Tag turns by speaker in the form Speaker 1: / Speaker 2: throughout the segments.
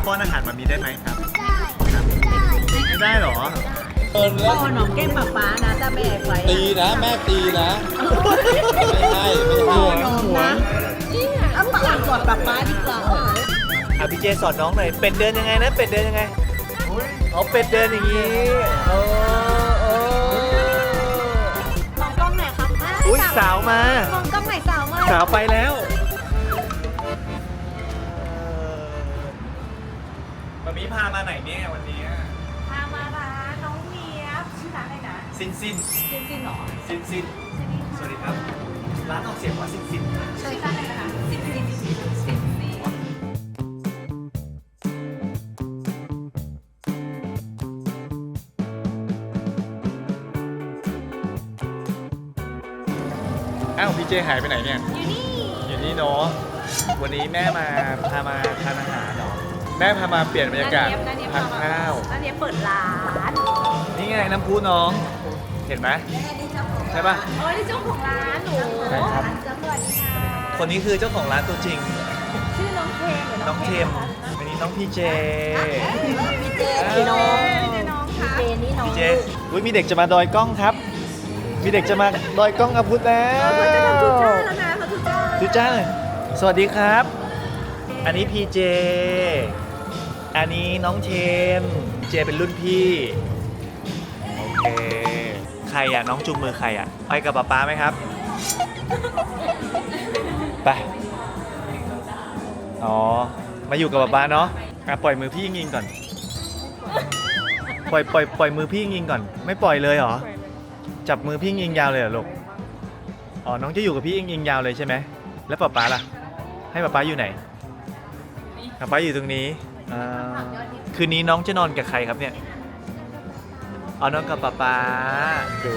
Speaker 1: ป้อนอาหารมามีได้ไหมครับ
Speaker 2: ได้ได้
Speaker 1: ไม่ได้หรอ
Speaker 3: เอิญแล้ว
Speaker 4: พ่อหนองแก้มป๊านะถ้าแม่ไป
Speaker 3: ตีนะแม่ตีนะไม่ใช่ไม่
Speaker 4: พ่อ
Speaker 3: ใช่
Speaker 4: หนองนะเอาปากกอดป๊าดีกว่า
Speaker 1: พี่เจสอนน้องหน่อยเป็ดเดินยังไงนะเป็ดเดินยังไงเอาเป็ดเดินอย่างนี้โอ้
Speaker 2: มองกล้องหน่อยครับ
Speaker 1: อุ้ยสาวมาม
Speaker 2: องกล้องหน่อยสาวมาก
Speaker 1: สาวไปแล้วมามีพามาไหนเนี่ยวันนี้
Speaker 4: พามาร้านน้องเนียบชื่อร้านอะไรนะ
Speaker 1: ซินซิน
Speaker 4: จริงๆหรอ
Speaker 1: ซินซินสวัสดีครับร้านออกเสียงว่าซินซิน
Speaker 4: ใช่ค่ะนะคะสิบ
Speaker 1: อ้าวพี่เจหายไปไหนเนี่ย อยู่นี่เนาะวันนี้แม่พามาทานอาหารเหรอแม่พามาเปลี่ยนบรรยากาศทานข้าว
Speaker 4: ร้านเนียบเปิดร้าน
Speaker 1: นี่ไงน้ำพุน้อง เห็นไหมใช่ป่ะ
Speaker 4: เออนี่เจ้าของร้านหนู
Speaker 1: ใช่ครับ
Speaker 4: สวัสดีค่ะ
Speaker 1: คนนี้คือเจ้าของร้านตัวจริง
Speaker 4: ชื่อน้องเทมหรือ
Speaker 1: น้องเทมวันนี้น้องพี่เจ
Speaker 4: พี่เจพี่น้องพี่เจนี่น้อง
Speaker 1: พี่เจอุ้ยมีเด็กจะมาดอยกล้องครับ มีเด็กจะมาดอยกล้องอาพุธแล้ว
Speaker 4: เขาจะทำทุจ้าแล้วนะเขาทุจ้า
Speaker 1: ทุจ้าเลยสวัสดีครับ อันนี้พี่เจ อันนี้น้องเทมเจเป็นรุ่นพี่โอเคใครอ่ะน้องจุงมือใครอ่ะไปกับป๊าป๊าไหมครับไปอ๋อมาอยู่กับป๊าป๊าเนาะอ่ะปล่อยมือพี่ยิงก่อนปล่อยมือพี่ยิงก่อนไม่ปล่อยเลยเหรอจับมือพี่ยิงยาวเลยเหรอลูกอ๋อน้องจะอยู่กับพี่ยิงยาวเลยใช่ไหมแล้วป๊าป๊าล่ะให้ป๊าป๊าอยู่ไหนป๊าป๊าอยู่ตรงนี้คืนนี้น้องจะนอนกับใครครับเนี่ยเอานอนกับป๊าป๊าดู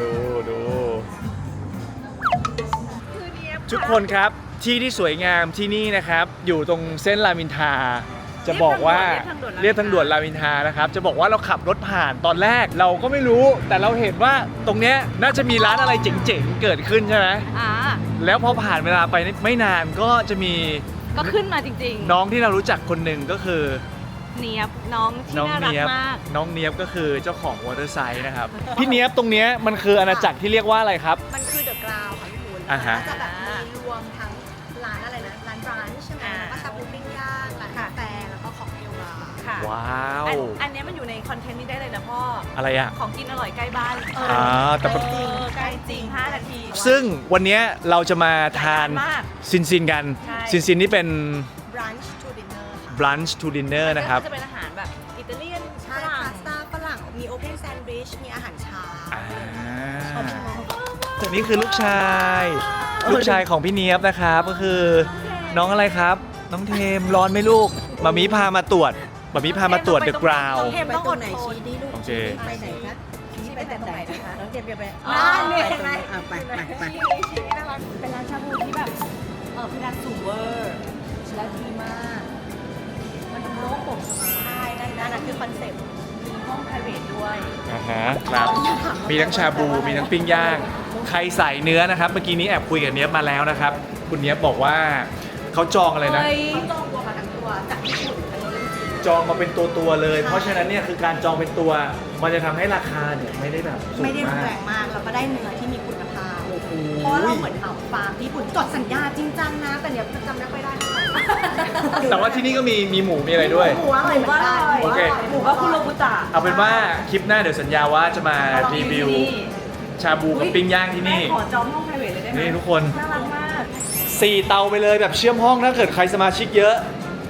Speaker 1: ทุกคนครับที่สวยงามที่นี่นะครับอยู่ตรงเส้นรามอินทราจะบอกว่าเรียบทางด่วนรามอินทรานะครับจะบอกว่าเราขับรถผ่านตอนแรกเราก็ไม่รู้แต่เราเห็นว่าตรงเนี้ยน่าจะมีร้านอะไรเจ๋งๆเกิดขึ้นใช่ไหมแล้วพอผ่านเวลาไปไม่นานก็จะมี
Speaker 4: ก็ขึ้นมาจริงๆ
Speaker 1: น้องที่เรารู้จักคนหนึ่งก็คือ
Speaker 4: เนียบน้องที่น่ารักมาก
Speaker 1: น้องเนียบก็คือเจ้าของวอเตอร์ไซด์นะครับ พี่เนียบตรงเนี้ยมันคืออาณาจักรที่เรียกว่าอะไรครับ
Speaker 2: มันคือเดอะกราวค่ะพี่คุณ
Speaker 1: อ่าฮะ
Speaker 2: จะแบบมีรวมทั้งร้านอะไรนะร้านบรันช์ใช่ไหมแล้วก็ชาบูปิ้งย่างร้านกาแฟแล้วก็ของเทลบาร์
Speaker 4: ค่ะ
Speaker 1: ว้าว
Speaker 4: อันนี้มันอยู่ในคอนเทนต์นี้ได้เลยนะพ่อ
Speaker 1: อะไรอ่ะ
Speaker 4: ของกินอร่อยใกล้บ้าน
Speaker 1: แต่ปะ
Speaker 4: ใกล้จริง5 นาที
Speaker 1: ซึ่งวันเนี้ยเราจะมาทาน
Speaker 4: มาก
Speaker 1: ซินกัน
Speaker 4: ใช่
Speaker 1: ซินนี่เป็น
Speaker 2: บรันช์ทูดินเนอร์ค่ะ
Speaker 1: brunch to dinner นะครับ
Speaker 4: ก็จะเป็นอาหารแบบอิตาเลียน
Speaker 2: ใช่พาสต้าฝรั่งมีโอเพนแซนด์วิชมีอาหารเช้า
Speaker 1: นี่คือลูกชายของพี่เนียบนะครับก็คือน้องอะไรครับ น้องเทมร้อนไหมลูกมามีพามาตรวจเดอะกราว
Speaker 4: เทมต้องอดทน
Speaker 1: โอเค
Speaker 4: ไปไหนคะชี้ไปแต่ตรงไหนนะคะน้องเทมจะไป
Speaker 2: เนี่ยเห็นไหม
Speaker 4: ไปชี้น่ารักเป็นร้านชาบูที่แบบเพดานสูงเวอร์และดีมากมันโล่งโปร่งสบายใช่นั่นคือคอนเซ็ปต์มีห้อง private ด้วย
Speaker 1: ครับมีทั้งชาบูมีทั้งปิ้งย่างใครใส่เนื้อนะครับเมื่อกี้นี้แอบคุยกับเนียบมาแล้วนะครับคุณเนียบบอกว่าเขาจองอะไรนะ
Speaker 2: จองตัวมาทั้งตัวจากญี่ปุ่นอันนี้เรื่องจริง
Speaker 1: จองมาเป็นตัวเลย เพราะฉะนั้นเนี่ยคือการจองเป็นตัว มันจะทำให้ราคาเนี่ยไม่ได้แบบสูง
Speaker 2: ไม่ได้
Speaker 1: มา
Speaker 2: แพ
Speaker 1: ก
Speaker 2: งมากแล้วก็ได้เนื้อที่มีคุณภาพเพราะว่าเราเหมือนเหมาฟาร์มที่ญี่ปุ่นจดสัญญาจริงจังนะแต่เดี๋ยวจำไม่ค่อยได้เท่าไหร่
Speaker 1: แต่ว่าที่นี่ก็มีหมูมีอะไรด้วย
Speaker 2: หมูอร่อยเหมือนกัน
Speaker 1: โอเค
Speaker 4: หมูก็คุโรบุตะ
Speaker 1: เอาเป็นว่าคลิปหน้าเดี๋ยวสัญญาว่าจะมารีวิวชาบูกับปิ้งย่างที่นี่
Speaker 4: ขอจองห้อง private เลยได้ไหม
Speaker 1: นี่ทุกคน
Speaker 4: น่ารักมาก
Speaker 1: 4 เตาไปเลยแบบเชื่อมห้องถ้าเกิดใครสมาชิกเยอะ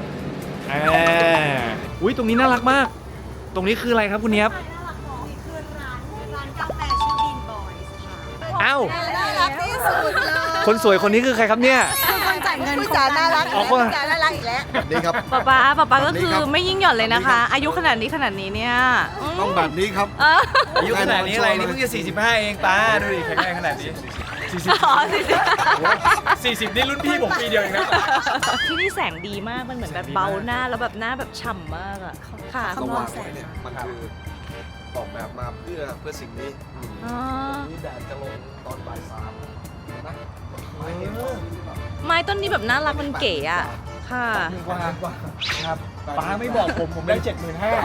Speaker 1: อุ้ยตรงนี้น่ารักมาก ตรงนี้คืออะไรครับคุณเนียบ
Speaker 2: น่ารักเนาะนี่คือร้านกาแฟชื่อบีนบอยส์ค่ะ
Speaker 1: อ้าว
Speaker 2: น่ารักที่สุดเลย
Speaker 1: คนสวยคนนี้คือใครครับเนี่ย
Speaker 2: คือคนจ่ายเงินผู้จาน่ารัก
Speaker 1: อ๋อคน
Speaker 2: ผู้จาน่ารักอีกแล้ว
Speaker 5: นี่ครับ
Speaker 4: ป๊าก็คือไม่ยิ่งหย่อนเลยนะคะ อายุขนาดนี้เนี่ย
Speaker 5: ต้องแบบนี้ครับ
Speaker 1: อายุขนาดนี้อะไรนี่เพิ่งจะ45เองป้าดูดิแข็งแรงขนาดนี้
Speaker 4: อ๋อ
Speaker 1: 40นี่รุ่นพี่ผมปีเดียวเองนะ
Speaker 4: ที่นี่แสงดีมาก มันเหมือนแบบเบาหน้าแล้วแบบหน้าแบบฉ่ำมากอ่ะ ค่ะ
Speaker 5: สว่างไว้เนี่ยมันคือออกแบบมาเพื่อสิ่งนี้
Speaker 4: อ๋อ
Speaker 5: นี่แดดจะลงตอนบ่าย 3นะ
Speaker 4: ไม้ต้นนี้แบบน่ารักมันเก๋อ่ะ ค่ะ
Speaker 1: ว่าครับป้าไม่บอกผมได้ 75,000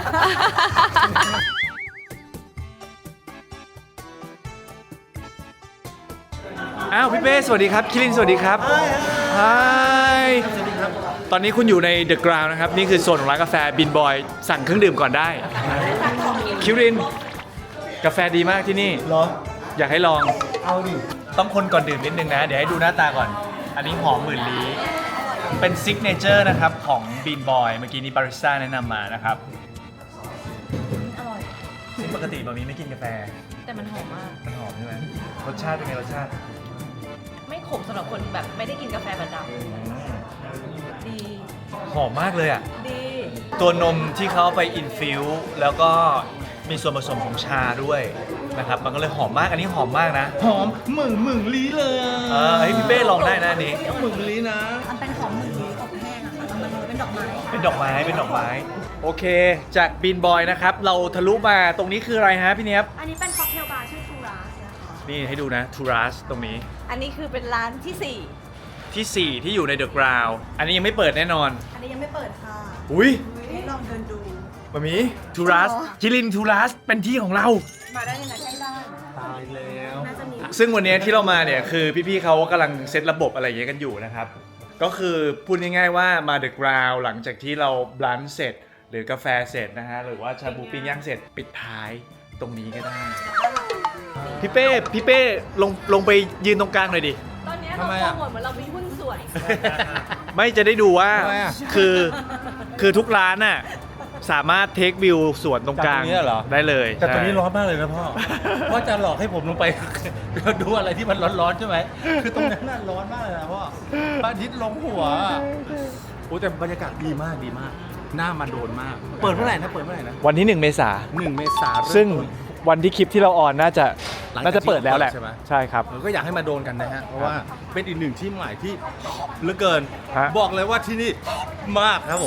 Speaker 1: อ้าวพี่เป้สวัสดีครับคิรินสวัสดีครับฮายตอนนี้คุณอยู่ในเดอะกราวน์นะครับ นี่คือโซนของร้านกาแฟบินบอยสั่งเครื่องดื่มก่อนได้คิรินกาแฟดีมากที่นี่เหรออยากให้ลองเอาดิต้องคนก่อนดื่มนิดนึงนะ เดี๋ยวให้ดูหน้าตาก่อน อันนี้หอมหมื่นลี้เป็นซิกเนเจอร์นะครับของบินบอยเมื่อกี้นี้บาริสต้าแนะนำมานะครับ
Speaker 4: อร่อย
Speaker 1: ซึ่งปกติบะหมี่ไม่กินกาแฟ
Speaker 4: แต่มันหอมมาก
Speaker 1: มันหอมใช่ไหมรสชาติเป็นไงรสชาติ
Speaker 4: ไม่ขมสำหรับคนแบบไม่ได้กินกาแฟประจำดี
Speaker 1: หอมมากเลยอ่ะ
Speaker 4: ดี
Speaker 1: ตัวนมที่เขาเอาไปอินฟิวแล้วก็มีส่วนผสมของชาด้วยนะครับ มันก็เลยหอมมาก อันนี้หอมมากนะ
Speaker 3: หอมหมึงลี้เลย
Speaker 1: เฮ้ยพี่เป้ลองได้นะอันนี้
Speaker 3: หมึงลี้นะ
Speaker 2: มันเป็นหอมหมื่นลี้อบแห้งอะค่ะแล้วมันเป็นดอกไม้
Speaker 1: เป็นดอกไม้ เป็นดอกไม้ โอเค จากบินบอยนะครับ เราทะลุมาตรงนี้คืออะไรฮะพี่เนียบ
Speaker 2: อันนี้เป็นค็อกเทลบาร์ชื่อทูราสนะคะ
Speaker 1: นี่ให้ดูนะทูรัสตรงนี้
Speaker 4: อันนี้คือเป็นร้านที่
Speaker 1: ที่ 4 ที่อยู่ในเดอะกราวน์อันนี้ยังไม่เปิดแน่นอน
Speaker 2: อันนี้ยังไม่เปิดค่ะ
Speaker 1: อุ้ย
Speaker 2: ให้ลองเดินดู
Speaker 1: บะหมี่ทูรัสคิรินทูรัสเป็นที่ของเรา
Speaker 2: มาได้ยังไงใกล้บ้าน
Speaker 3: ตายแล้ว
Speaker 2: น่าจะมี
Speaker 1: ซึ่งวันนี้ที่เรามาเนี่ยคือพี่ๆเขากำลังเซตระบบอะไรอย่างเงี้ยกันอยู่นะครับ ก็คือพูดง่ายๆว่ามาเดอะกราวหลังจากที่เราบลันเสร็จ หรือกาแฟเสร็จนะฮะ หรือว่าชาบูปิ้งย่างเสร็จปิดท้ายตรงนี้ก็ได้ พี่เป้ลงไปยืนตรงกลางหน่อยดิ
Speaker 4: 4 ตอนนี้เรา
Speaker 3: ทำไม
Speaker 4: โปร
Speaker 3: อะ
Speaker 4: โมทเหมือนเรามีหุ้นส่วน
Speaker 1: ไม่จะได้ดูว่า
Speaker 3: ทำไมอะ
Speaker 1: คือทุกร้านน่ะสามารถเทควิวสวนตรงกลาง
Speaker 3: จากตรงนี้เหรอ
Speaker 1: ได้เลย
Speaker 3: แต่ตอนนี้
Speaker 1: ใช่
Speaker 3: ร้อนมากเลยนะพ่อ พ่อจะหลอกให้ผมลงไป ดูอะไรที่มันร้อนๆใช่ไหม คือตรงนั้นน่ะร้อนมากเลยนะพ่อพระอาทิตย์ลงหัวโอ้แต่บรรยากาศดีมากดีมาก หน้ามันโดนมาก เปิดเมื่อไหร่นะ เปิดเมื่อไหร่นะ
Speaker 1: วันที่ 1 เมษา
Speaker 3: 1 เมษายน
Speaker 1: ซึ่งวันที่คลิปที่เราออนน่าจะ
Speaker 3: หลังจาก
Speaker 1: น่าจะเปิดแล้วแหละ
Speaker 3: ที่เปิดใช่ไหม
Speaker 1: ใช่ครับ
Speaker 3: ก็อยากให้มาโดนกันนะฮะ เพราะว่าเป็นอีกหนึ่งที่ใหม่ที่เหลือเกิน
Speaker 1: ฮะ
Speaker 3: บอกเลยว่าที่นี่มากครับผม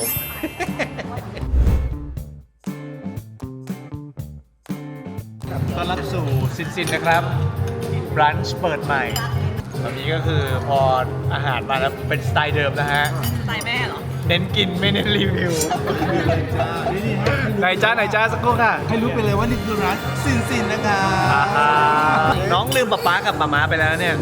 Speaker 1: ต้อนรับสู่ซินนะครับร้านเปิดใหม่ตอนนี้ก็คือพออาหารมาแล้วเป็นสไตล์เดิมนะฮะ
Speaker 4: สไตล์แม่เหรอ
Speaker 1: เน้นกินไม่เน้นรีวิวไหนจ้าสักครู่ค่ะ
Speaker 3: ให้รู้ไปเลยว่านี่คือร้านซินนะคะ
Speaker 1: น้องลืมป๊าป๊ากับป๊าม้าไปแล้วเนี่ย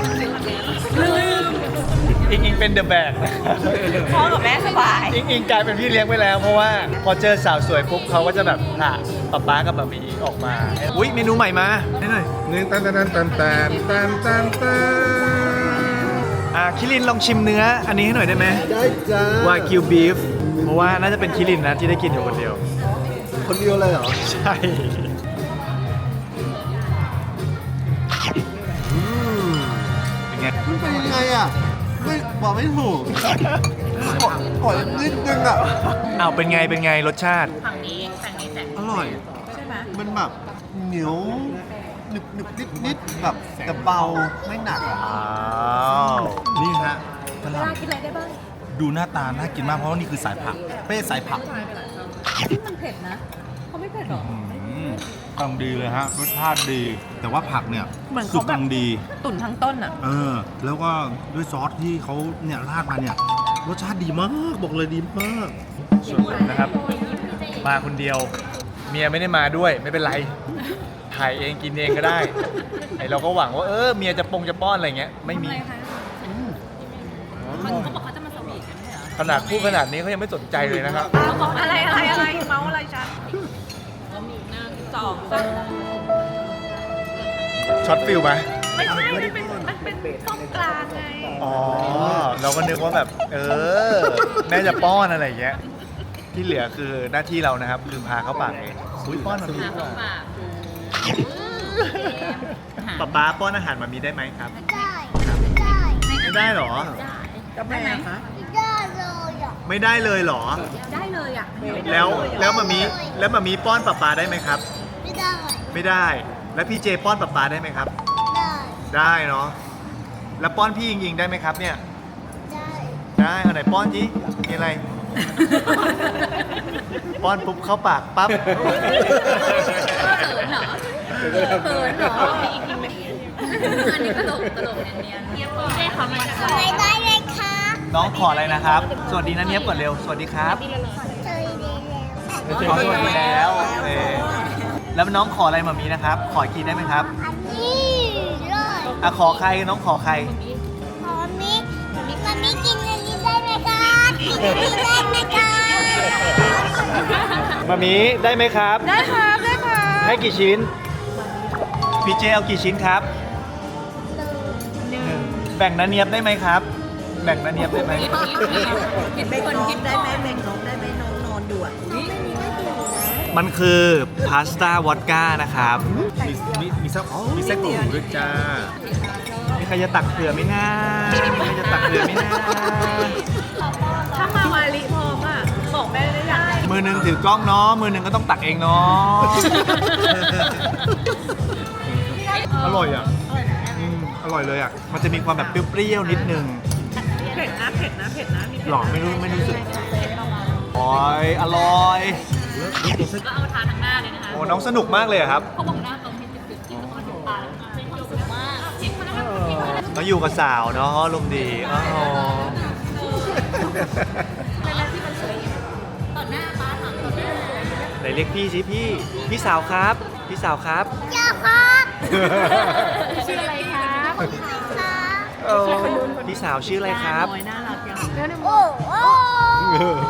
Speaker 1: อิงเป็นเดอะแบก
Speaker 4: พ่อกับแม่สบาย
Speaker 1: อิงกลายเป็นพี่เลี้ยงไปแล้วเพราะว่าพอเจอสาวสวยปุ๊บเขาก็จะแบบผละป๊าป๊ากับป๊ามีออกมาอุ้ยเมนูใหม่มาได้หน่อย
Speaker 5: นี่ตัน
Speaker 1: คิรินลองชิมเนื้ออันนี้ให้หน่อยได้ไหม
Speaker 5: ได้จ้าว
Speaker 1: ากิวบีฟเพราะว่าน่าจะเป็นคิรินนะที่ได้กินอยู่คนเดียว
Speaker 5: คนเดียวเลยเหรอ
Speaker 1: ใช่ เป็นไง
Speaker 5: มันเป็นยังไงอ่ะ ไม่บอกไม่ถูกขอนิดนึงอ่ะ
Speaker 1: อ้าวเป็นไงรสชาติ
Speaker 4: ฝั่งนี้แต่
Speaker 5: อร่อย
Speaker 4: ใช่ไหม
Speaker 5: มันแบบเหนียวหนึบนิดแบบแต่เบาไม่หนักอ่ะ
Speaker 1: อ้าว
Speaker 3: นี่ฮะฝ
Speaker 4: เว
Speaker 3: รั่ง
Speaker 4: ลากินอะไรได้บ้าง
Speaker 3: ดูหน้าตาน่ากินมากเพราะว่านี่คือสายผัก เป้สายผัก
Speaker 4: ที่มันเผ็ดนะเขาไม่เผ็ดหรอก
Speaker 3: กำลังดีเลยฮะ รสชาติดี แต่ว่าผักเนี่ย
Speaker 4: เหมือน
Speaker 3: สุ
Speaker 4: เขา
Speaker 3: ก
Speaker 4: แบบ
Speaker 3: กำลังดี
Speaker 4: ตุ๋นทั้งต้นอ่ะ
Speaker 3: แล้วก็ด้วยซอสที่เขาเนี่ยราดมาเนี่ย รสชาติดีมาก บอกเลยดีมาก
Speaker 1: ส่วนผมนะครับ มาคนเดียว เมียไม่ได้มาด้วยไม่เป็นไร ถ่ายเองกินเองก็ได้ ไอเราก็หวังว่าเมียจะป้อนอะไรเงี้ยไม่มี
Speaker 4: เขาบอกเขาจะมาสวีทกันใช่เหรอ
Speaker 1: ขนาดพูดขนาดนี้เขายังไม่สนใจเลยนะครับ
Speaker 4: เขาบอกอะไรเมาอะไรฉันก็มีหน้าสองสาม
Speaker 1: ช็อตฟิลไหม
Speaker 4: ไม่ใช่มันเป็นต้มกลางไง
Speaker 1: อ๋อ เราก็นึกว่าแบบ แม่จะป้อนอะไรอย่างเงี้ย ที่เหลือคือหน้าที่เรานะครับคือพาเข้าปากเองอุ้ยป้อนมามีดีกว่าป๊าป้อนอาหารมามีได้ไหมครับ ไม่ได้เหรอ
Speaker 2: ได้ไหมคะ
Speaker 1: ไม่ได้เลยเหรอ
Speaker 4: ได้เลยอ่ะ
Speaker 1: แล้วมามีป้อนป๊าได้ไหมครับ ไม่ได้ แล้วพี่เจป้อนป๊าได้ไหมครับ ได้เนาะ แล้วป้อนพี่ยิงได้ไหมครับเนี่ย ได้เอาไหนป้อนจีมีอะไร ป้อนปุ๊บเข้าปากปั๊บ
Speaker 4: เขินเหรอมีอีกทีไหมอันนี้ตลกเนียนเทียบได้เขาไม่ได้
Speaker 1: น้องขออะไรนะครับ สวัสดีนะเนียบก่อนเร็ว สวัสดีครับ
Speaker 4: ส
Speaker 1: ขอสวัสดีแล้วโอเคแล้วน้องขออะไรมามีนะครับ ขออีกทีได้ไหมครับ
Speaker 6: อันนี้เลย
Speaker 1: อ่ะขอใครน้องขอใคร
Speaker 6: ขอมิมันมีกินอันนี้ได้ไหมครับกินอันนี้ได้ไหมครับ
Speaker 1: มามีได้ไหมครับ
Speaker 4: ได้ครับได้ครับ
Speaker 1: ให้กี่ชิ้น พี่เจเอากี่ชิ้นครับแบ่งนาเนียบได้ไหมครับ แบ่งนาเนียบได้ไหม
Speaker 2: เบงน้องได้ไหมเบงน้องได้ไหมน้องนอนอยู่อ่ะ
Speaker 1: มันคือพาสต้าวอดก้านะครับ
Speaker 3: มีไส้กรอกหมูด้วยจ้า
Speaker 1: มีใครจะตักเผื่อไหมนะมีใครจะตักเผื่อไหมนะ
Speaker 4: ถ้ามาวาลิพร้อมอ่ะบอกแม่ได้ยัง
Speaker 1: มือหนึ่งถือกล้องเนาะมือหนึ่งก็ต้องตักเองเนาะอร่อยอ่ะอร่อยเลยอ่ะมันจะมีความแบบเปรี้ยวๆนิดนึง
Speaker 4: เผ็ดนะเผ็ดนะเผ็ดนะมีเผ็ด
Speaker 1: หรอไม่รู้สึกโอ้ยอร่อย
Speaker 4: ก็เอาทานทั้งหน้าเลยนะคะ
Speaker 1: โอ้น้องสนุกมากเลยอะครับ
Speaker 4: เขาบอกหน้าตรงที่จุดๆที่ตรงถึงตาเป็นความสุขมากชิมมาแล้วครับ
Speaker 1: มาอยู่กับสาวเนาะลมณ์ดีอ๋อ
Speaker 4: เป็นอะไรที่มันสวยต่อหน้าป้าถามต่อหน้า
Speaker 1: ไหนเรียกพี่สิพี่สาวครับ พี่สาวครับ
Speaker 6: เจ้าครับ
Speaker 4: ชื่ออะไรครับ
Speaker 1: พี่สาวชื่ออะไรครับ
Speaker 2: น้อยน่ารักจัง
Speaker 6: โอ้โห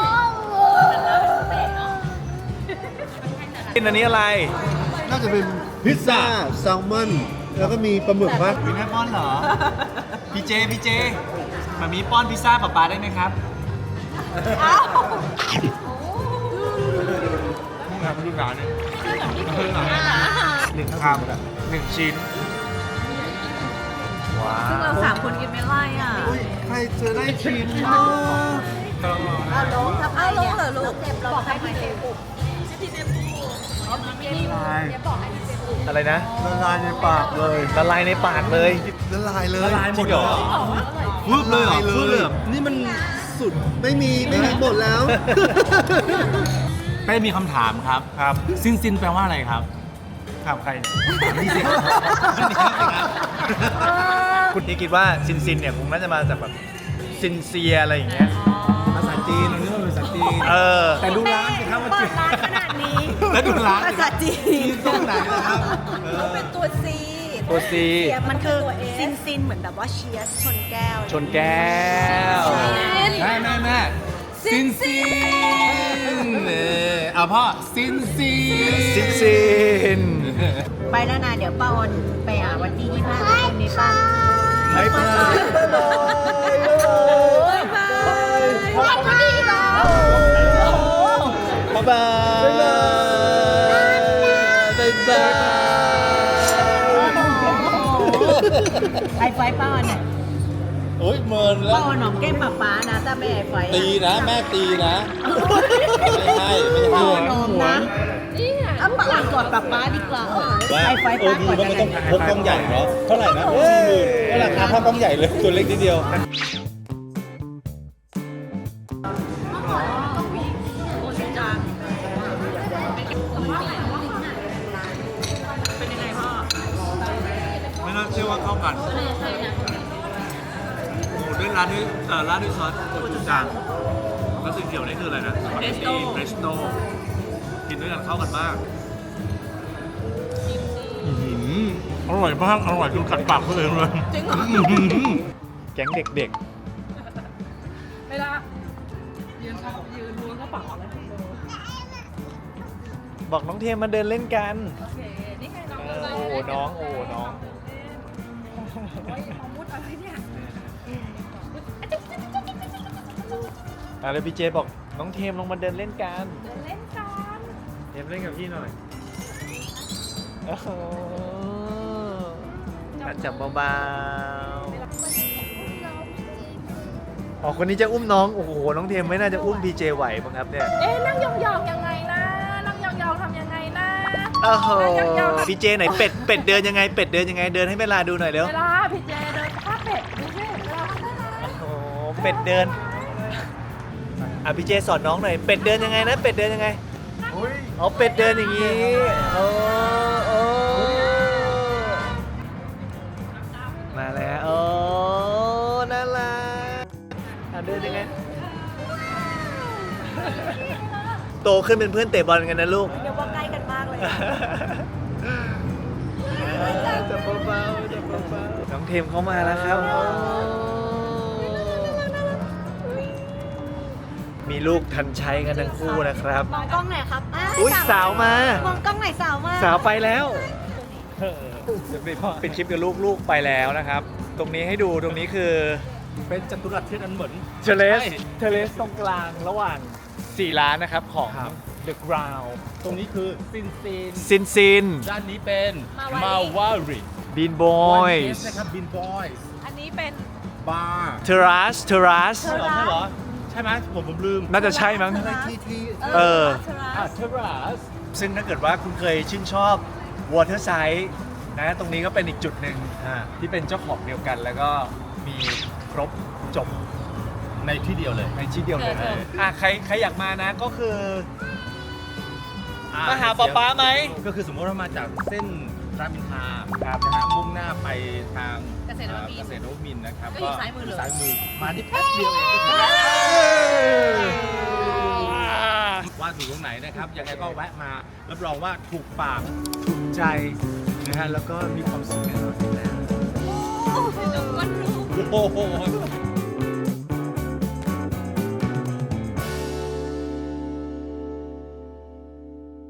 Speaker 1: กินอันนี้อะไร
Speaker 5: น่าจะเป็นพิซซ่าแซลมอนแล้วก็มีปลาหมึกมั้ย
Speaker 1: วินแม่ป้อนเหรอ พี่เจมามีป้อนพิซซ่าป๊าได้ไหมครับ
Speaker 3: มึงทำดูร้านเนี่ย
Speaker 1: หนึ่งคำหนึ่งชิ้น ว้า
Speaker 2: ซึ่งเรา
Speaker 1: ว
Speaker 2: 3 คนกินไม่ไล่อ่ะ
Speaker 5: ใครจะได้ชิม
Speaker 2: เอาลงเหรอลูกบอกให้พี่เจปุบ
Speaker 1: อะไรนะ
Speaker 5: ละลายในปากเลย
Speaker 1: ละลายในปากเลย
Speaker 5: ละลายเลย
Speaker 1: ละลายหมดเหรอ
Speaker 5: วืบเลยเหรอวืบเลยเหรอนี่มันสุดไม่มีหมดแล้ว
Speaker 3: เป้มีคำถามครับ
Speaker 1: ครับ
Speaker 3: ซินแปลว่าอะไรครับ
Speaker 1: ถามใครคุณนี่คิดว่าซินเนี่ยคงน่าจะมาจากแบบซินเซียอะไรอย่างเงี้ย
Speaker 3: ภาษาจีนเราเรียกว่าภาษาจีน
Speaker 1: เออ
Speaker 3: แต่ดูร้านสิครับว่าจีน
Speaker 2: ร้านขนาดนี้
Speaker 3: แล้วดูร้าน
Speaker 2: ภาษาจีน
Speaker 3: ตรงไหนนะครับ
Speaker 2: ต้องเป็นตัว C
Speaker 1: ตัว C
Speaker 2: มันคือซินเหมือนแบบว่าเชียร์ชนแก้ว
Speaker 1: ชนแก้ว
Speaker 3: แม่ซินเอาพ่อซิน
Speaker 1: ซิน
Speaker 2: ไปแล้วนะเดี๋ยวป้าออนไปหาวันที่25ตรงนี้ป้า
Speaker 1: บายบาย
Speaker 6: วันนี้เหรอ
Speaker 1: บ๊ายบายบ๊ายบาย
Speaker 2: ไอไฟป้าออนเนี่ย
Speaker 3: โอ้ยเมินแล้
Speaker 2: ป้าว ออนหนอมแก้มป๊านะถ้าไม่ไอไฟ
Speaker 3: ตีนะแม่ตีนะไม่ใช่
Speaker 2: ป้าออนหนอมนะเอาป้าออนกอดป๊าดีกว่าไอไฟป้ากอดกัน
Speaker 3: พกกล้องใหญ่เนาะเท่าไหร่นะ40,000ก็ราคาเท่ากล้องใหญ่เลยตัวเล็กนิดเดียว
Speaker 1: ไม่น่าเชื่อว่าเข้ากันหมูด้วยร้านด้วยราดด้วยซอสโกจูจังแล้วสีเขียวนี่คืออะไรนะเรสโต้กินด้วยกันเข้ากันมาก
Speaker 3: อร่อยมากอร่อยจนกัดปากตัวเองเลย
Speaker 1: แก๊งเด็ก
Speaker 4: เวลายืนล้วงกระเป๋าอะไร
Speaker 1: ๆ บอกน้องเทมมาเดินเล่นกัน
Speaker 4: โอเคนี่ไงน้อง
Speaker 1: โอ้โหน้อง
Speaker 4: มุดอะไรเนี่ย
Speaker 1: แล้วพี่เจบอกน้องเทมลงมาเดินเล่นกัน
Speaker 4: เล่นกัน
Speaker 1: เทมเล่นกับพี่หน่อยโอ้โหจับเบาๆอ๋อคนนี้จะอุ้มน้องโอ้โหน้องเทมไม่น่าจะอุ้มพี่เจไหวมั้งครับเนี่ย
Speaker 4: เอ๊ะนั่งยองๆยังไงนะนั่งยองๆทำยังไงนะ
Speaker 1: โอ้โหพี่เจไหนเป็ดเดินยังไงเดินให้เวลาดูหน่อยเร็ว
Speaker 4: เวลาพี่เจเดินข้าเป็ดดูสิเวลาข้าเป็ด
Speaker 1: โอ้โหเป็ดเดินอ่ะพี่เจสอนน้องหน่อยเป็ดเดินยังไงนะเป็ดเดินยังไงอ๋อเป็ดเดินอย่างงี้โอ้มาแล้วโอ้น่ารักอ่ะเดินยังไงโตขึ้นเป็นเพื่อนเตะบอลกันนะลูก
Speaker 4: เรียกว่าใกล้กันมากเลยอะ
Speaker 1: จับเบาๆจับเบาๆน้องเทมเข้ามาแล้วครับ มีลูกทันใช้กันทั้งคู่นะครับ
Speaker 4: มองกล้องหน่อยครับ
Speaker 1: อุ๊ยสาวมา
Speaker 4: มองกล้องหน่อยสาวมา
Speaker 1: สาวไปแล้วเป็นคลิปกับลูกๆไปแล้วนะครับ ตรงนี้ให้ดูตรงนี้คือ
Speaker 3: เป็นจัตุรัสที่อันเหมือน
Speaker 1: เทเลสตรงกลางระหว่าง 4 ร้านนะครับของ
Speaker 3: ครับ
Speaker 1: The Ground
Speaker 3: ตรงนี้คือซิน
Speaker 1: ซิน
Speaker 3: ด้านนี้เป็นมาวาริ
Speaker 1: บีนบอย
Speaker 3: นะครับบินบอยส์
Speaker 4: อันนี้เป็น
Speaker 3: บาร์
Speaker 1: เทรัส
Speaker 3: ใช่เหรอใช่เหรอใช่ไหมผมลืม
Speaker 1: น่าจะใช่มั้ง
Speaker 5: อะไรที่
Speaker 1: เออ
Speaker 3: เทรัส
Speaker 1: ซึ่งถ้าเกิดว่าคุณเคยชื่นชอบ Water Side นะตรงนี้ก็เป็นอีกจุดหนึ่งที่เป็นเจ้าของเดียวกัน แล้วก็มีครบจบ
Speaker 3: ในที่เดียวเลย
Speaker 1: ในที่เดียวเลยใครอยากมานะก็คือมาหาป๊าป๊าไหม
Speaker 3: ก็คือสมมติว่ามาจากเส้นรามอินทราครับนะฮะมุ่งหน้าไปทาง
Speaker 4: เกษตรนวมินทร์
Speaker 3: เกษตรนวมินทร์นะครับ
Speaker 4: ก็อยู่ซ้ายมือเลย
Speaker 3: ซ้ายมือมาที่แป๊บเดียวเองก็ถึงว่าถูกตรงไหนนะครับยังไงก็แวะมารับรองว่าถูกปากถูกใจนะฮะแล้วก็มีความสุขแน่นอนอยู่แล้ว
Speaker 4: ก็รู้
Speaker 3: โอ้โห